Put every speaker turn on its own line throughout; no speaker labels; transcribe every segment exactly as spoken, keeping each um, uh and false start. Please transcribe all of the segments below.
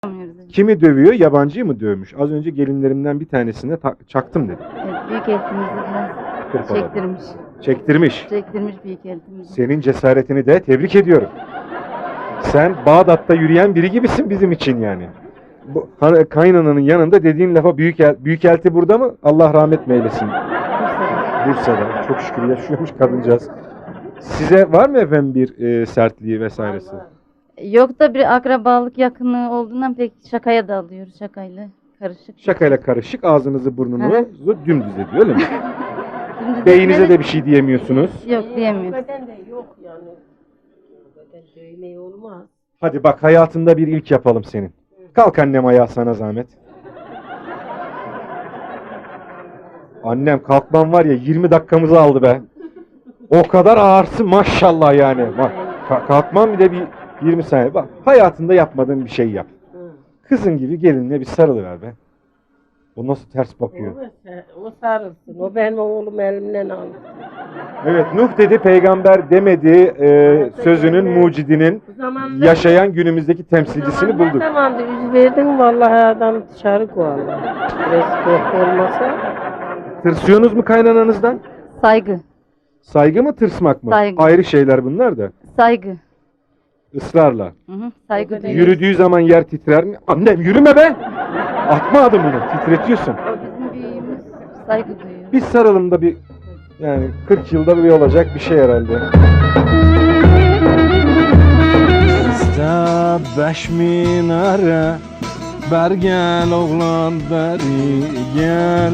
Kimi dövüyor? Yabancıyı mı dövmüş? Az önce gelinlerimden bir tanesine çaktım dedi.
Evet, büyük eltimizi biraz çektirmiş.
Çektirmiş.
Çektirmiş büyük eltimizi.
Senin cesaretini de tebrik ediyorum. Sen Bağdat'ta yürüyen biri gibisin bizim için yani. Bu kaynananın yanında dediğin lafa büyük el, büyük elti burada mı? Allah rahmet eylesin.
Bursa'da.
Bursa'da. Çok şükür yaşıyormuş kadıncağız. Size var mı efendim bir e, sertliği vesairesi?
Yok da bir akrabalık yakınlığı olduğundan pek şakaya da alıyoruz, şakayla karışık.
Şakayla karışık ağzınızı burnunuzu dümdüz ediyor öyle mi?
Dümdüz
Beyinize
etmeli-
de bir şey diyemiyorsunuz.
Yok diyemiyoruz.
Beden de yok yani. Beden dövmeyi olmaz.
Hadi bak hayatında bir ilk yapalım senin. Kalk annem ayağa sana zahmet. Annem kalkman var ya yirmi dakikamızı aldı be. O kadar ağırsın maşallah yani. Bak ka- kalkman bir de bir yirmi saniye. Bak hayatında yapmadığın bir şey yap. Kızın gibi gelinle bir sarılıver be. O nasıl ters bakıyor.
O, o sarılsın. O benim oğlum elimden aldı.
Evet Nuh dedi peygamber demedi e, sözünün mucidinin yaşayan günümüzdeki temsilcisini bulduk.
Ne zaman da yüz verdin vallahi adam dışarı koyarlar. Biraz korku olmasa.
Tırsıyorsunuz mu kaynananızdan?
Saygı.
Saygı mı tırsmak mı?
Saygı.
Ayrı şeyler bunlar da.
Saygı.
Israrla.
Hı hı, saygı
Evet.
duyuyoruz.
Yürüdüğü zaman yer titrer mi? Annem yürüme be! Atma adımını, titretiyorsun.
O bizim büyüğümüz, saygı duyuyor.
Bir sarılım da bir, yani kırk yılda bir olacak bir şey herhalde. İşte beş minare, ber gel oğlan beri gel.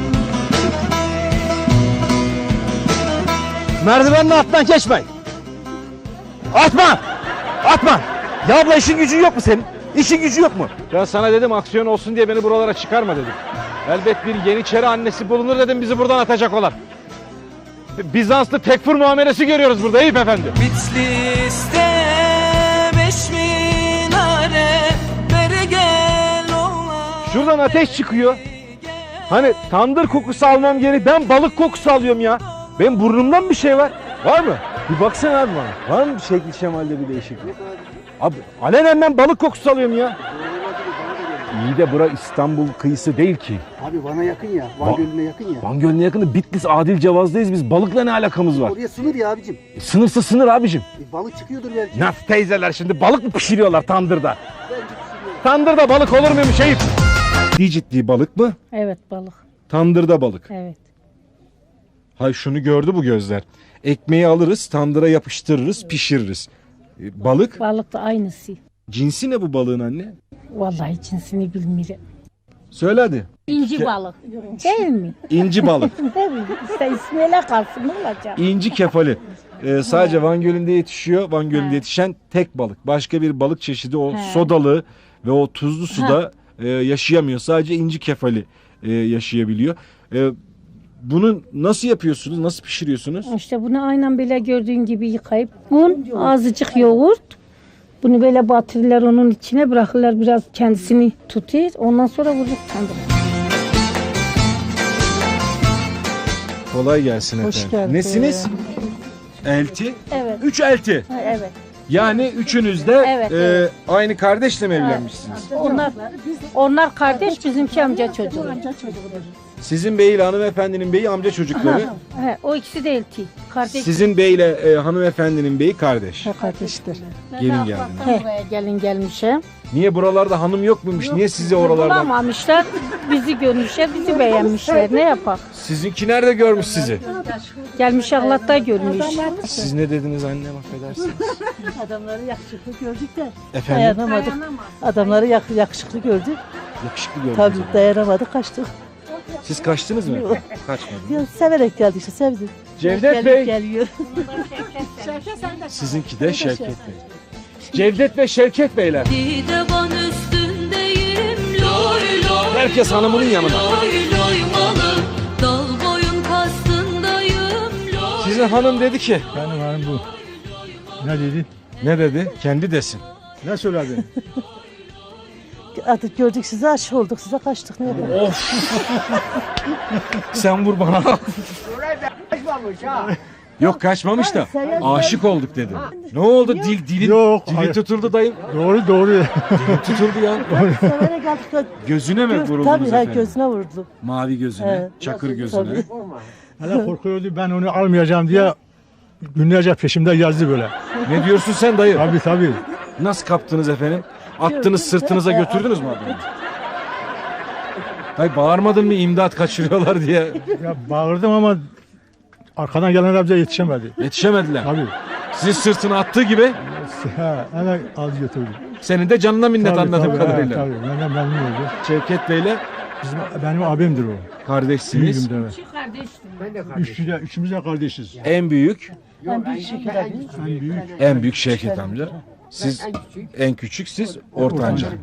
Merdivenin altından geçme. Atma! Atma! Ya abla işin gücün yok mu senin? İşin gücü yok mu?
Ben sana dedim aksiyon olsun diye beni buralara çıkarma dedim. Elbet bir Yeniçeri annesi bulunur dedim bizi buradan atacak olan. Bizanslı tekfur muamelesi görüyoruz burada Eyüp Efendi.
Bitlis'te beş minare beri gel oğlan.
Şuradan ateş çıkıyor. Hani tandır kokusu almam geri ben balık kokusu alıyorum ya. Benim burnumdan bir şey var. Var mı? Bir baksana abi bana. Var mı bir şekil şemalde bir değişiklik? Abi alenen ben balık kokusu alıyorum ya. İyi de bura İstanbul kıyısı değil ki.
Abi Van'a yakın ya. Van
Va-
Gölü'ne yakın ya.
Van Gölü'ne yakını Bitlis Adil Cevaz'dayız biz. Balıkla ne alakamız var?
Oraya sınır ya abicim.
E, sınırsa sınır abicim.
E, balık çıkıyordur belki.
Nasıl teyzeler şimdi balık mı pişiriyorlar tandırda?
Bence pişiriyor.
Tandırda balık olur muymuş Eyüp? Ciddi ciddi balık mı?
Evet balık.
Tandırda balık.
Evet.
Hay şunu gördü bu gözler. Ekmeği alırız, tandıra yapıştırırız, pişiririz. E, balık?
Balık da aynısı.
Cinsi ne bu balığın anne?
Vallahi cinsini bilmiyorum.
Söyle hadi.
İnci balık. Değil mi?
İnci balık.
Değil mi? İşte ismiyle kalsın ne olacak?
İnci kefali. Ee, sadece Van Gölü'nde yetişiyor. Van Gölü'nde yetişen tek balık. Başka bir balık çeşidi o
He.
sodalı ve o tuzlu suda e, yaşayamıyor. Sadece inci kefali e, yaşayabiliyor. E, bunu nasıl yapıyorsunuz? Nasıl pişiriyorsunuz?
İşte bunu aynen böyle gördüğün gibi yıkayıp un, azıcık yoğurt. Bunu böyle batırırlar onun içine bırakırlar biraz kendisini tutuyor. Ondan sonra vurur tandıra.
Kolay gelsin
Hoş
efendim.
geldin.
Nesiniz? Elti.
Evet.
Üç elti.
Ha, evet.
Yani üçünüz de
Evet,
e,
evet.
aynı kardeşle mi evlenmişsiniz?
Onlar onlar kardeş bizimki amca çocuğu.
Sizin beyiyle hanımefendinin beyi amca çocukları.
He, o ikisi de elti. Kardeş.
Sizin beyle e, hanımefendinin beyi kardeş.
He, kardeştir.
Gelin geldiniz.
He. Buraya gelin gelmişe.
Niye buralarda hanım yok muymuş? Niye sizi oralardan?
Bulamamışlar. Bizi görmüşler, bizi beğenmişler. Ne yapak?
Sizinki nerede görmüş sizi?
Gelmiş Ahlat'ta görmüş.
Siz ne dediniz annem affedersiniz?
Adamları yakışıklı gördük de
Efendim?
dayanamadık. Adamları yak- yakışıklı gördük.
Yakışıklı gördünüz.
Tabii
ama.
dayanamadık kaçtık.
Siz kaçtınız mı?
Yok.
Kaçmadınız.
Ya, severek geldik işte sevdim.
Cevdet
Gelip
Bey.
Geliyor.
Sizinki de Şevket Bey. Cevdet ve Şevket Beyler.
Divan üstündeyim loy loy.
Herkes hanımının yanında.
Loy loy malı. Dal boyun kastındayım loy.
Sizin hanım dedi ki.
Benim hanım bu. Ne dedi?
Ne dedi? Kendi desin.
Ne söyledi?
Artık gördük sizi aşık olduk size kaçtık ne yapalım.
Of. Sen vur bana. Yok kaçmamış da aşık olduk dedim. Ne oldu? Dil dilin
Yok,
dili
hayır.
tutuldu dayım.
Doğru doğru.
Dili tutuldu ya.
Severek aldık.
Gözüne mi
Göz,
vuruldunuz
tabii ha,
efendim?
gözüne vurdu.
Mavi gözüne,
Evet.
çakır gözüne.
Tabii.
Hala korkuyordu ben onu almayacağım diye günlerce peşimde yazdı böyle.
Ne diyorsun sen dayı?
Tabii tabii.
Nasıl kaptınız efendim? Attınız sırtınıza götürdünüz mü adamı? Dayı bağırmadın mı imdat kaçırıyorlar diye?
Ya bağırdım ama arkadan gelenler bize yetişemedi.
Yetişemediler.
Tabii.
Sizin sırtına attığı gibi
Ha, hemen aldı götürdü.
senin de canına minnet
Tabii,
anladığım
tabii,
kadarıyla.
Tabii tabii. Benden memnun oldu.
Şevket Bey'le
Bizim, benim abimdir o.
kardeşsiniz.
Büyüğüm de. Üçü de, üçümüz de kardeşiz.
En büyük,
En büyük.
en büyük Şevket amca. Siz en küçük, siz ortanca. Ortanca.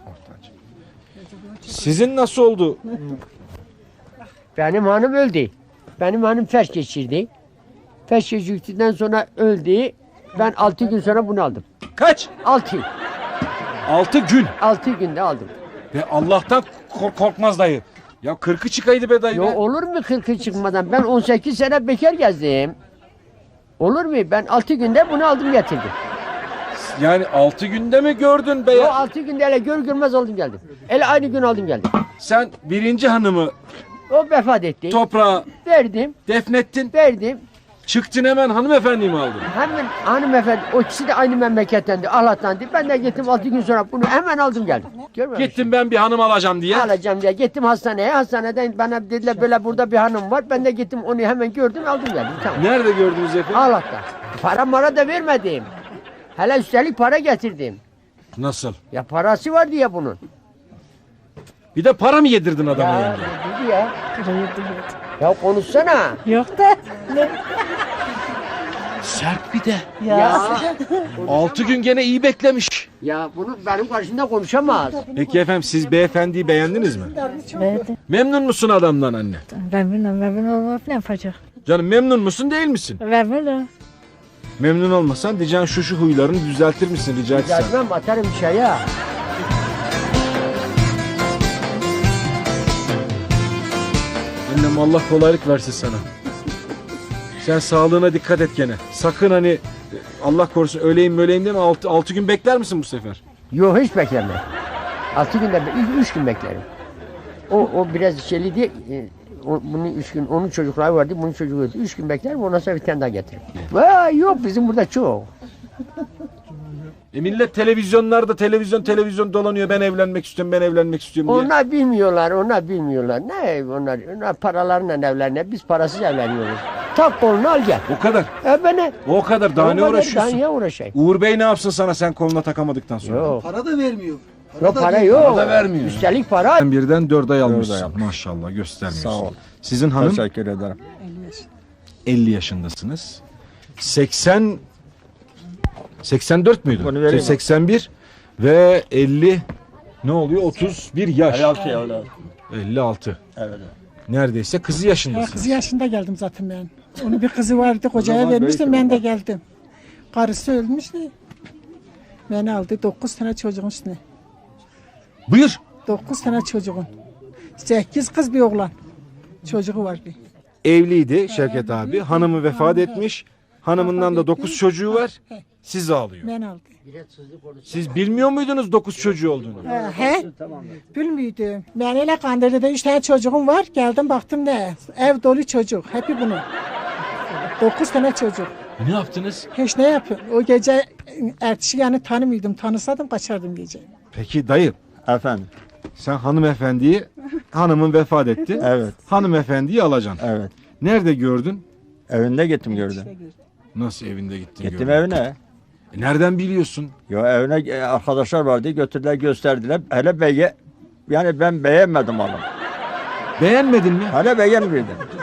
Sizin nasıl oldu?
Benim hanım öldü. Benim hanım felç geçirdi. Felç geçirdikten sonra öldü. Ben altı gün sonra bunu aldım.
Kaç?
Altı.
Altı gün.
Altı günde aldım.
Ve Allah'tan kork- korkmaz dayı. Ya kırkı çıkaydı be dayı.
Yo
be.
olur mu kırkı çıkmadan? Ben on sekiz sene bekar gezdim. Olur mu? Ben altı günde bunu aldım getirdim.
Yani altı günde mi gördün be
O
ya?
altı günde hele gör görmez aldım geldim. Hele aynı gün aldım geldim.
Sen birinci hanımı
O vefat etti.
toprağa
Verdim.
defnettin.
Verdim.
Çıktın hemen hanımefendiyi mi aldın?
Hemen hanımefendi, o ikisi de aynı memlekettendi, Allah'tandı. Ben de gittim altı gün sonra bunu hemen aldım geldim. Görmüyor musun?
Gittim ben bir hanım alacağım diye.
Alacağım diye gittim hastaneye. Hastaneden bana dediler böyle burada bir hanım var. Ben de gittim onu hemen gördüm aldım geldim. Tamam.
Nerede gördünüz efendim?
Allah'tan. Para mara da vermedim. Hele üstelik para getirdim.
Nasıl?
Ya parası var diye bunun.
Bir de para mı yedirdin adama
Ya
yenge?
dedi ya. Ya konuşsana.
Yok da.
Sert bir de.
Ya.
Ya.
Altı gün gene iyi beklemiş.
Ya bunu benim karşımda konuşamaz.
Peki efendim siz beyefendiyi beğendiniz mi?
Evet.
Memnun musun adamdan anne?
Memnunum, memnun olmak ne yapacak?
Canım memnun musun değil misin?
Memnunum.
Memnun olmasan diyeceksin şu şu huylarını düzeltir misin rica etsem.
Gelmem atarım dışarıya.
Annem Allah kolaylık versin sana. Sen sağlığına dikkat et gene. Sakın hani Allah korusun öleyim öleyim deme altı, altı gün bekler misin bu sefer?
Yok hiç beklemem. Altı günde, üç, üç gün beklerim. O, o biraz şeyli diye, e, o, bunun üç gün, onun çocukları vardı, bunun çocuğu öldü. Üç gün beklerim, ondan sonra bir tane daha getiririm. Vay yok bizim burada çok.
E millet televizyonlarda televizyon televizyon dolanıyor. Ben evlenmek istiyorum ben evlenmek istiyorum diye.
Onlar bilmiyorlar, onlar bilmiyorlar. Ne onlar, onlar paralarla evlenir, biz parasız evleniyoruz. Tak kolunu al gel.
O kadar.
E beni.
O kadar. Daha ne
Daha
uğraşıyorsun?
niye uğraşayım?
Uğur Bey ne yapsın sana sen koluna takamadıktan sonra?
Yok.
Para da vermiyor.
Yok
da
para
değil.
yok.
Para da vermiyor.
Üstelik para.
Sen birden dört ay almışsın.
ay almış.
Maşallah göstermiyorsun.
Sağ ol.
Sizin hanım
Teşekkür ederim.
elli yaşındasınız. seksen seksen dört müydü?
Bunu vereyim mi?
seksen bir ve elli ne oluyor? otuz bir yaş. elli altı.
Evet.
Neredeyse kızı yaşındasınız.
Kızı yaşında geldim zaten ben. Onun bir kızı vardı, kocaya vermiştim, ben de geldim. Karısı ölmüştü. Beni aldı, dokuz tane çocuğun üstüne.
Buyur.
Dokuz tane çocuğun. Sekiz kız bir oğlan. Çocuğu vardı.
Evliydi Şevket abi. Hanımı vefat etmiş. Hanımından da dokuz çocuğu var. Sizi alıyor.
Ben aldı.
Siz bilmiyor muydunuz dokuz çocuğu olduğunu?
He, he? Bilmiyordum. Ben öyle Kandilli'de üç tane çocuğum var. Geldim baktım ne? Ev dolu çocuk. Hepi bunun. Dokuz tane çocuk.
Ne yaptınız?
Hiç ne yapıyor? O gece ertesi yani tanımıyordum. Tanısadım kaçardım gece.
Peki dayı
Efendim.
sen hanımefendiyi hanımın vefat etti.
Evet.
Hanımefendiyi alacaksın.
Evet.
Nerede gördün?
Evinde gittim gördüm.
Nasıl evinde gittin
Gittim
gördün?
evine.
E nereden biliyorsun?
Yo evine e, arkadaşlar vardı götürdüler gösterdiler. Hele beye yani ben beğenmedim onu.
Beğenmedin mi?
Hele beğenmedim.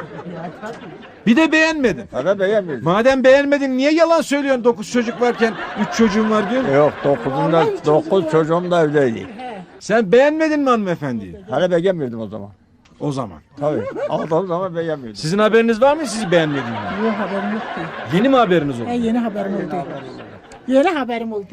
Bir de beğenmedin.
Hele beğenmedim.
Madem beğenmedin niye yalan söylüyorsun dokuz çocuk varken üç çocuğun var diyorsun?
Yok dokuzunda dokuz çocuğum da evdeydi.
Sen beğenmedin mi hanımefendiyi?
Hele beğenmedim o zaman.
O zaman.
Tabii. Aldığım zaman beğenmedim.
Sizin haberiniz var mı sizi beğenmediğini?
Yok haberim yoktu.
Yeni mi haberiniz oldu?
He, yeni haberim oldu. Yeni haberim oldu.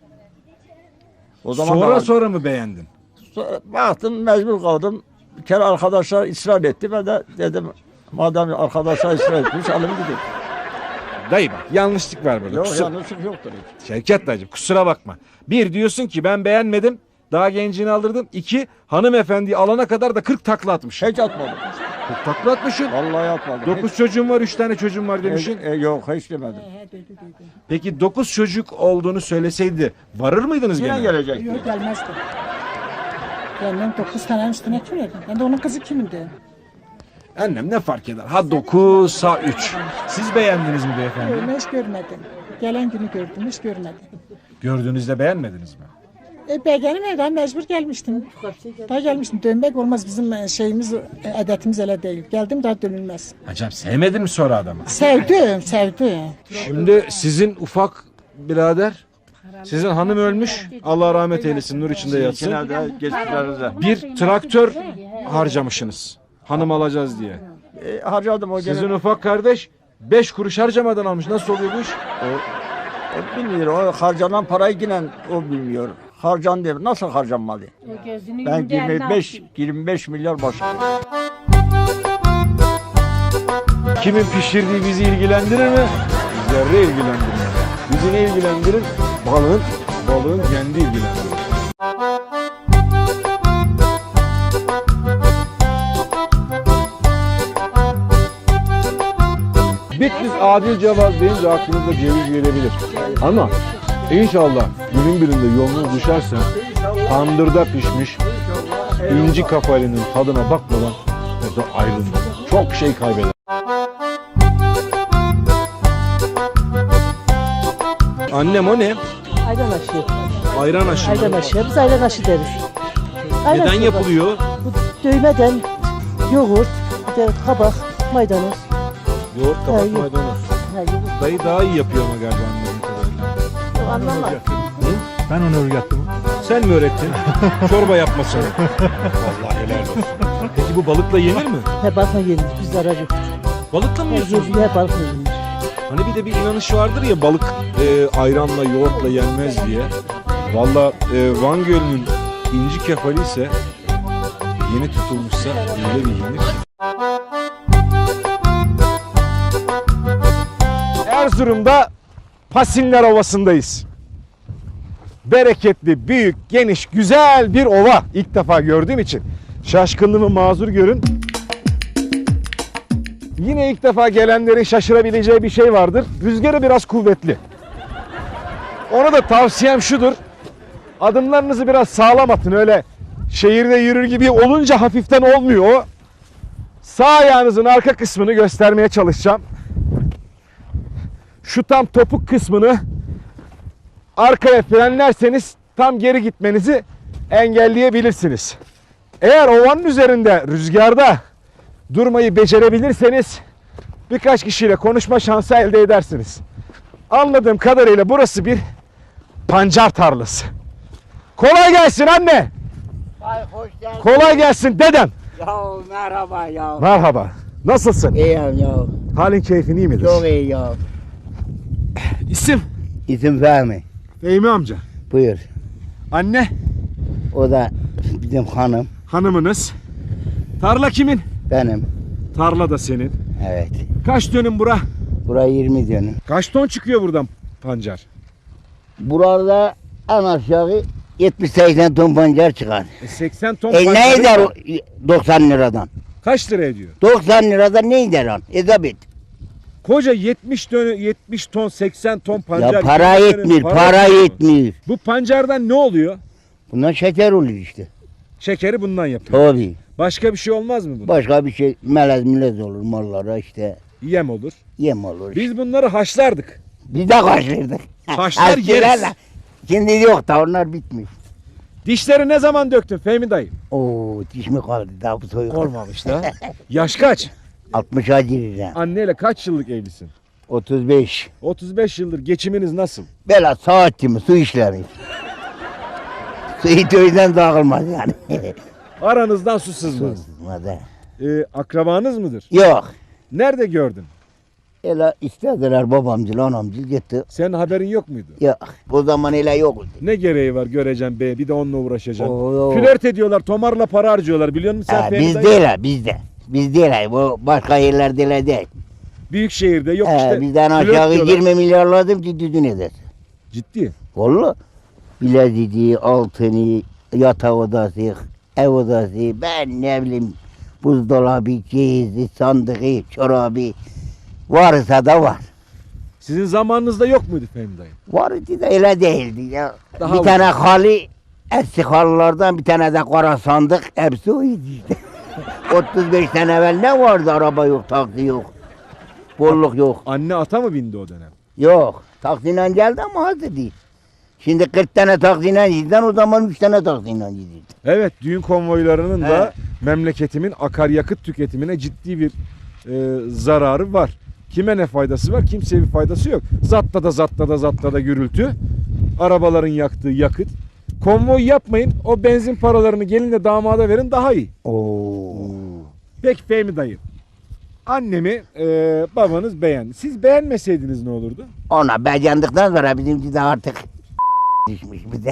O zaman
Sonra
da-
sonra mı beğendin?
Sonra baktım mecbur kaldım. Bir kere arkadaşlar ısrar etti. Ben de dedim madem arkadaşlar ısrar etmiş alayım gideyim.
dayı bak yanlışlık var burada.
Yok
Kusura-
yanlışlık yoktur.
Şevket dayıcım kusura bakma. Bir diyorsun ki ben beğenmedim. Daha gencini aldırdım. İki hanımefendiyi alana kadar da kırk takla atmış.
Hiç atmadım.
kırk takla atmışsın.
Vallahi atmadım.
dokuz çocuğum var, üç tane çocuğum var demişsin.
E, e, yok hiç demedim.
Peki dokuz çocuk olduğunu söyleseydi varır mıydınız
Yine
gene?
gelecek.
Yok gelmezdi. Benden dokuz tane üstüne kim verdi? Ben de onun kızı kimindi?
Annem ne fark eder? Ha dokuz, ha üç. Siz beğendiniz mi beyefendi?
Öyle hiç görmedim. Gelen günü gördüm, hiç görmedim.
Gördüğünüzde beğenmediniz mi?
E ben gelmeden mecbur gelmiştim. Daha gelmiştim. Dönmek olmaz. Bizim şeyimiz, adetimiz öyle değil. Geldim daha dönülmez.
Hocam sevmedin mi sonra adamı?
Sevdim, sevdim.
Şimdi sizin ufak birader, sizin hanım ölmüş. Allah rahmet eylesin, nur içinde yatsın.
Geçmişlerinizde.
Bir traktör harcamışsınız. Hanım alacağız diye.
E, harcadım o gene.
Sizin ufak kardeş beş kuruş harcamadan almış. Nasıl oluyor bu iş?
O bilmiyor. O harcanan parayı yine o bilmiyor. Harcan diyor. Nasıl harcanmalı? Ben yirmi beş yirmi beş milyar başım.
Kimin pişirdiği bizi ilgilendirir mi? Zerre ilgilendirmez. Bizi ne ilgilendirir? Balığın, balığın kendi ilgilendirir. Bitlis adil cevap deyince aklınıza ceviz gelebilir. Ama inşallah günün birinde yolunuz düşerse tandırda pişmiş inci kafalının tadına bakmadan orada ayrılın. Çok şey kaybeder. Annem o ne?
Ayran aşı.
Ayran aşı.
Ayran aşı. Biz ayran aşı deriz. Ayran
Neden
aşı
yapılıyor?
Bu dövmeden yoğurt, bir de kabak, maydanoz.
Yoğurt, kabak,
Ha, yok.
maydanoz.
Ha, yoğurt.
Dayı daha iyi yapıyor ama galiba anladığım kadarıyla.
Anlamaz.
Ben onu öğrettim.
Sen mi öğrettin? Çorba yapmasını. Allah helal olsun. Peki bu balıkla yenir mi?
He balıkla yenir. Biz zarar yok.
Balıkla mı
He,
yiyorsunuz?
he balıkla yenir.
Hani bir de bir inanış vardır ya balık e, ayranla yoğurtla yenmez diye. Valla e, Van Gölü'nün inci kefali ise yeni tutulmuşsa öyle bir yenir. Erzurum'da Pasinler Ovası'ndayız. Bereketli, büyük, geniş, güzel bir ova. İlk defa gördüğüm için şaşkınlığımı mazur görün. Yine ilk defa gelenlerin şaşırabileceği bir şey vardır. Rüzgarı biraz kuvvetli. Ona da tavsiyem şudur. Adımlarınızı biraz sağlam atın. Öyle şehirde yürür gibi olunca hafiften olmuyor o. Sağ ayağınızın arka kısmını göstermeye çalışacağım. Şu tam topuk kısmını arkaya frenlerseniz tam geri gitmenizi engelleyebilirsiniz. Eğer ovanın üzerinde rüzgarda durmayı becerebilirseniz birkaç kişiyle konuşma şansı elde edersiniz. Anladığım kadarıyla burası bir pancar tarlası. Kolay gelsin anne.
Ay hoş geldin.
Kolay gelsin dedem.
Ya merhaba ya.
Merhaba. Nasılsın?
İyiyim ya.
Halin keyfin iyi midir?
Çok iyi ya.
İsim?
İsim Fehmi.
Fehmi amca.
Buyur.
Anne?
O da bizim hanım.
Hanımınız. Tarla kimin?
Benim.
Tarla da senin.
Evet.
Kaç dönüm bura?
Buraya yirmi dönüm.
Kaç ton çıkıyor buradan pancar?
Burada en aşağı yetmiş seksen ton pancar çıkar.
E seksen ton
E ne
pancarı-
eder o doksan liradan?
Kaç lira ediyor?
doksan liradan ne eder on? Ezabet.
Koca yetmiş dönüm, yetmiş ton, seksen ton pancar.
Ya para
yirmi dönüm
yetmiyor, para
etmiyor.
yetmiyor.
Bu pancardan ne oluyor?
Bundan şeker olur işte.
Şekeri bundan yapıyor.
Tabii.
Başka bir şey olmaz mı bunun?
Başka bir şey melez milez olur mallara işte.
Yem olur.
Yem olur.
Biz bunları haşlardık.
Biz de kaçırdık.
Haşlar
Eskiler
yeriz.
de. Şimdi yok da onlar bitmiş.
Dişleri ne zaman döktün Fehmi dayı?
Oo diş mi kaldı daha bu soyuk.
Olmamış da. Yaş kaç?
altmışa gireceğim.
Anneyle kaç yıllık evlisin?
otuz beş.
otuz beş yıldır geçiminiz nasıl?
Böyle saatçi mi su işlemi. Su hiç o yüzden dağılmaz yani.
Aranızdan su sızmaz.
Sızmadı.
Ee, akrabanız mıdır?
Yok.
Nerede gördün?
Öyle istediler babamcıl anamcıl gitti.
Senin haberin yok muydu?
Yok. O zaman öyle yoktu.
Ne gereği var göreceğim be bir de onunla uğraşacağım.
Oo.
Flört ediyorlar, tomarla para harcıyorlar biliyor musun sen
Ha,
Fehmi
biz
dayı?
değil ha bizde. Biz değil ha. Bu başka yerlerde öyle değil.
Büyük şehirde yok
He,
işte.
bizden
flört
aşağı
diyorlar.
yirmi milyarladım ki düdün eder.
Ciddi.
Valla. Bileziği, altını, yatak odası, ev odası, ben ne bileyim buzdolabı, cehizi, sandığı, çorabı varsa da var.
Sizin zamanınızda yok muydu Fehmi dayı?
Vardı da öyle değildi ya.
Daha
bir
var.
tane halı, eski halılardan bir tane de kara sandık, hepsi oydu işte. otuz beş sene evvel ne vardı? Araba yok, taksi yok. Bolluk yok.
Anne ata mı bindi o dönem?
Yok. Taksiyle geldi ama hazır değil. Şimdi kırk tane taksiyle giden o zaman üç tane taksiyle gidiyordu.
Evet, düğün konvoylarının da
He.
memleketimin akaryakıt tüketimine ciddi bir e, zararı var. Kime ne faydası var? Kimseye bir faydası yok. Zatta da zatta da zatta da gürültü. Arabaların yaktığı yakıt. Konvoy yapmayın. O benzin paralarını gelin de damada verin daha iyi.
Oo.
Peki Fehmi dayı. Annemi e, babanız beğendi. Siz beğenmeseydiniz ne olurdu?
Ona beğendikten sonra bizimki de artık düşmüş bize.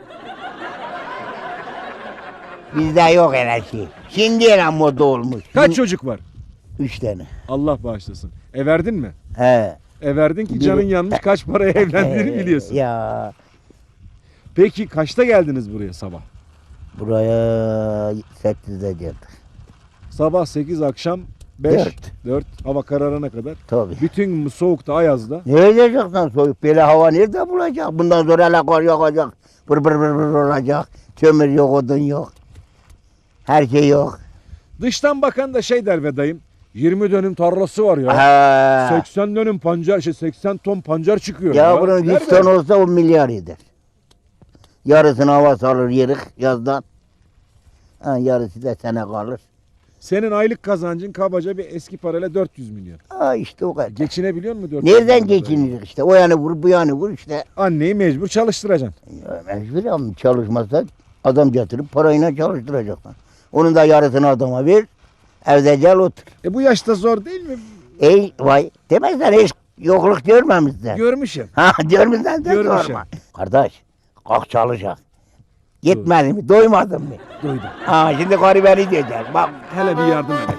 Bizde yok öyle şey. Şimdi öyle moda olmuş.
Kaç çocuk var?
Üç tane.
Allah bağışlasın. E verdin mi?
He.
E verdin ki
Bir-
canın yanmış, kaç paraya evlendiğini biliyorsun.
Ya
Peki kaçta geldiniz buraya sabah?
buraya sekizde geldik.
Sabah sekiz, akşam beş,
Dört.
dört, hava kararına kadar.
Tabii.
Bütün bu soğukta, ayazda.
Ne edeceksin soyup böyle hava nerede bulacak? Bundan sonra hele kar yağacak. Bır bır bır bır olacak. Kömür yok, odun yok. Her şey yok.
Dıştan bakan da şey der be dayım. yirmi dönüm tarlası var ya.
Ha.
seksen dönüm pancar, şey seksen ton pancar çıkıyor.
Ya bunun yüz
Nerede?
ton olsa on milyar eder. Yarısını hava salır yerik yazdan. Ha, yarısı da sene kalır.
Senin aylık kazancın kabaca bir eski parayla dört yüz milyon.
Ha işte o kadar.
Geçinebiliyor mu dört yüz
Nereden
milyonla?
geçinir işte? O yanı vur bu yanı vur işte.
Anneyi mecbur çalıştıracaksın.
Ya mecbur ama çalışmazsa adam getirip parayla çalıştıracaksın. Onun da yarısını adama ver. Evde gel otur.
E bu yaşta zor değil mi?
Ey vay demezler hiç yokluk görmemişler.
Görmüşüm.
Ha görmüşler de
Görmüşüm.
sorma. Kardeş kalk çalışak. Gitmedin mi? Doymadın mı?
Duydum.
Ha şimdi karı beni diyecek. Bak.
Hele bir yardım edek.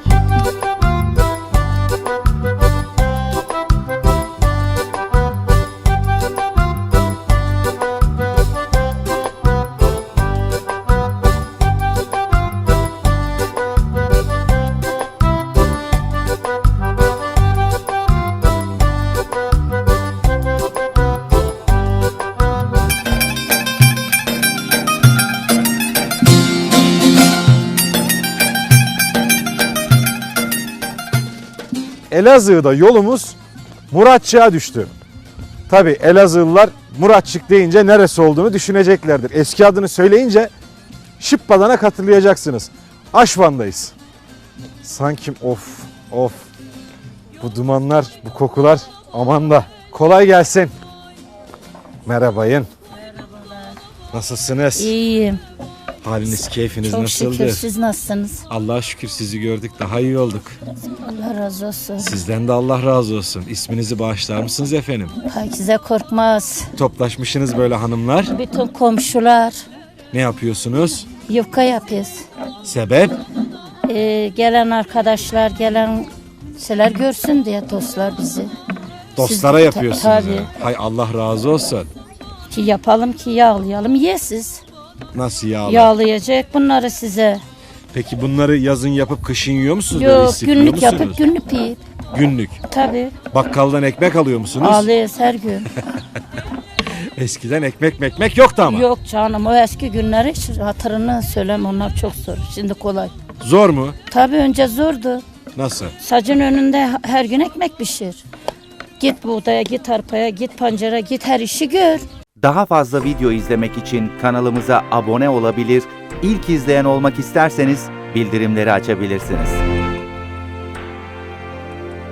Elazığ'da yolumuz Muratçık'a düştü. Tabi Elazığlılar Muratçık deyince neresi olduğunu düşüneceklerdir. Eski adını söyleyince Şıppadan'a hatırlayacaksınız. Aşvan'dayız. Sanki of of bu dumanlar, bu kokular aman da kolay gelsin. Merhabayın.
Merhabalar.
Nasılsınız?
İyiyim.
Haliniz, keyfiniz
Çok
nasıldı?
şükür. Siz nasılsınız?
Allah'a şükür sizi gördük, daha iyi olduk.
Allah razı olsun.
Sizden de Allah razı olsun. İsminizi bağışlar mısınız efendim?
Pakize Korkmaz.
Toplaşmışsınız böyle hanımlar.
Bütün komşular
Ne yapıyorsunuz?
yufka yapıyoruz.
Sebep?
Ee, gelen arkadaşlar, gelen şeyler görsün diye dostlar bizi.
Dostlara
Siz-
yapıyorsunuz.
Tabii.
ha. Hay Allah razı olsun.
Ki yapalım ki yağlayalım yesiz.
Nasıl yağlı?
Yağlayacak bunları size.
Peki bunları yazın yapıp kışın yiyor musunuz? Böyle
Yok
istifliyor
günlük
musunuz?
yapıp günlük yiyip.
Günlük.
Tabii.
Bakkaldan ekmek alıyor musunuz?
Ağlıyoruz her gün.
Eskiden ekmek mekmek yoktu ama.
Yok canım o eski günleri hiç hatırını söylem onlar çok zor. Şimdi kolay.
Zor mu?
Tabii önce zordu.
Nasıl?
Sacın önünde her gün ekmek pişir. Git buğdaya, git arpaya, git pancara, git her işi gör.
Daha fazla video izlemek için kanalımıza abone olabilir, ilk izleyen olmak isterseniz bildirimleri açabilirsiniz.